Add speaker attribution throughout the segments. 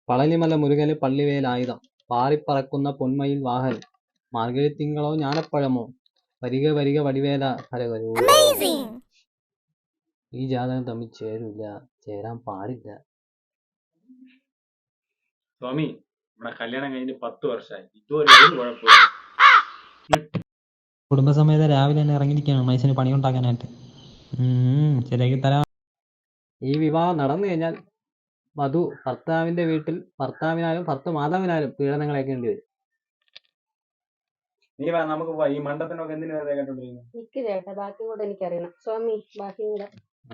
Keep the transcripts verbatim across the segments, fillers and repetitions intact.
Speaker 1: പളനിമല മുരുകന് പള്ളിവേലായുധം പാറിപ്പറക്കുന്ന പൊന്മയിൽ വാഹനം മാർഗഴിത്തിങ്കളോ ജ്ഞാനപ്പഴമോ വരിക വരിക വടിവേല ഹരകരൂ. ഈ ജാതകം തമ്മിൽ ചേരൂല, ചേരാൻ പാടില്ല.
Speaker 2: സ്വാമി, നമ്മുടെ കല്യാണം കഴിഞ്ഞ് പത്ത് വർഷമായി, ഇതുവരെ ഒരു കുഴപ്പമില്ല.
Speaker 3: കുടുംബസമേത രാവിലെ തന്നെ ഇറങ്ങിയിരിക്കുകയാണ് മനുഷ്യന് പണിയുണ്ടാക്കാനായിട്ട്. ശരിയാക്കി തരാം.
Speaker 1: ഈ വിവാഹം നടന്നു കഴിഞ്ഞാൽ വധു ഭർത്താവിന്റെ വീട്ടിൽ ഭർത്താവിനാലും ഭർത്ത മാതാവിനാലും പീഡനങ്ങൾ ഏൽക്കേണ്ടി വരും.
Speaker 2: നീ വാ, നമുക്ക് പോവാം. ഈ മണ്ടത്തിനൊക്കെ എന്തിനു വെറുതെ കേട്ടോണ്ടിരിക്കുന്നു?
Speaker 4: എനിക്ക് ചേട്ടാ ബാക്കി കൂടെ എനിക്കറിയണം. സ്വാമി, ബാക്കി കൂടെ.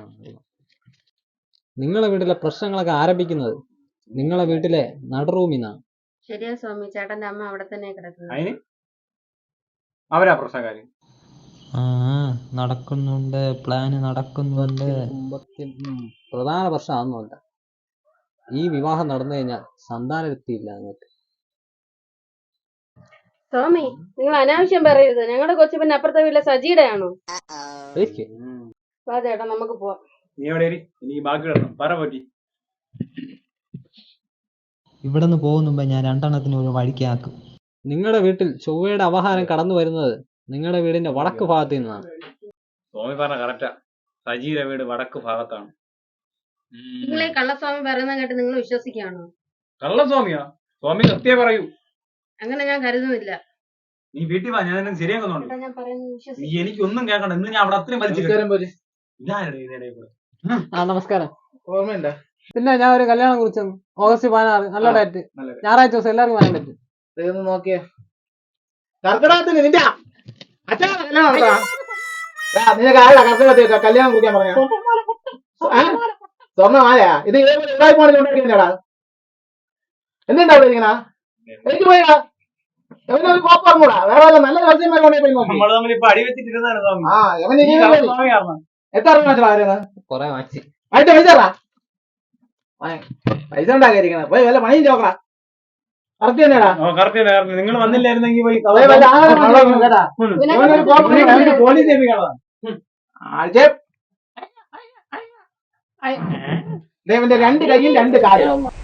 Speaker 1: നിങ്ങളെ വീട്ടിലെ പ്രശ്നങ്ങളൊക്കെ ആരംഭിക്കുന്നത് നിങ്ങളെ വീട്ടിലെ നടുറൂമിന്നാണ്.
Speaker 4: ശരിയാ സ്വാമി, ചേട്ടന്റെ അമ്മ അവിടെ തന്നെ കിടക്കുന്നത്.
Speaker 2: അതിന് അവരാ പ്രശ്നക്കാര്.
Speaker 3: ആ നടക്കുന്നുണ്ട്, പ്ലാന് നടക്കുന്നുണ്ട്.
Speaker 1: പ്രധാന പ്രശ്നം അതൊന്നുമല്ല. ഈ വിവാഹം നടന്നു കഴിഞ്ഞാൽ സന്താനവൃത്തിയില്ല നിങ്ങൾക്ക്.
Speaker 4: സ്വാമി, നിങ്ങൾ അനാവശ്യം പറയരുത്. ഞങ്ങളുടെ കൊച്ചു പിന്നെ അപ്പുറത്തെ വീട്ടിലെ സജിയുടെ ആണോ? വാ ചേട്ടാ, നമുക്ക് പോവാം.
Speaker 2: നീ എവിടെ നീ ബാക്കി കിടന്നു പറ പറ്റി.
Speaker 3: ഇവിടെ നിന്ന് പോകുന്നുമ്പോ ഞാൻ രണ്ടെണ്ണത്തിന് ഒരു വഴിക്കാക്കും.
Speaker 1: നിങ്ങളുടെ വീട്ടിൽ ചൊവ്വയുടെ അവഹാരം കടന്നു വരുന്നത് നിങ്ങളുടെ വീടിന്റെ വടക്ക് ഭാഗത്ത് നിന്നാണ്.
Speaker 2: സ്വാമി പറഞ്ഞ കറക്റ്റാ. സജിയുടെ വീട് വടക്ക് ഭാഗത്താണ്.
Speaker 4: നിങ്ങളെ കള്ളസ്വാമി പറയുന്ന കേട്ട് നിങ്ങൾ വിശ്വസിക്കുകയാണോ?
Speaker 2: കള്ളസ്വാമിയാ? സ്വാമി സത്യം പറയൂ.
Speaker 4: അങ്ങനെ ഞാൻ കരുതുന്നില്ല.
Speaker 2: നീ വീട്ടിൽ വാ, ഞാൻ എന്നെ ശരിയാക്കുന്നുണ്ട്.
Speaker 4: ഞാൻ പറയുന്നത് വിശ്വസിക്കും.
Speaker 2: നീ എനിക്കൊന്നും കേൾക്കണ്ട. ഇന്ന് ഞാൻ അവിടെ അത്രയും വലിച്ചു.
Speaker 1: ആ നമസ്കാരം. ഓർമ്മയില്ല? പിന്നെ ഞാൻ ഒരു കല്യാണം കുറിച്ചു. ഓഗസ്റ്റ് പതിനാറ്, നല്ല ഡേറ്റ്, ഞായറാഴ്ച ദിവസം എല്ലാവർക്കും വരാൻ പറ്റും.
Speaker 5: നോക്കിയേ കർക്കിടകത്തിന് നിന്റെ നിനക്ക് ആരാ കർക്കിടകത്തിൽ കല്യാണം കുറിക്കാൻ പറഞ്ഞ? സ്വർണ്ണമാലയാ ഇത്? ഉണ്ടാക്കിയാടാ എന്തുണ്ടാ ഇങ്ങനെ? എനിക്ക് പോയാ എവനൊരു കോപ്പം കൂടാ. വേറെ നല്ല ജോത്സ്യന്മാരുണ്ടെങ്കിൽ എത്ര
Speaker 1: കൊറേ വാങ്ങിച്ചു
Speaker 5: ആയിട്ട് പൈസ പൈസ ഉണ്ടാക്കിയിരിക്കണ പോയി വല്ല പണിയും ചോക്കടാ. കറക്റ്റ് തന്നെയാടാ.
Speaker 2: നിങ്ങൾ വന്നില്ലായിരുന്നെങ്കിൽ
Speaker 5: പോലീസ് ഇവന്റെ രണ്ട് കയ്യിൽ രണ്ട് കാര്യം.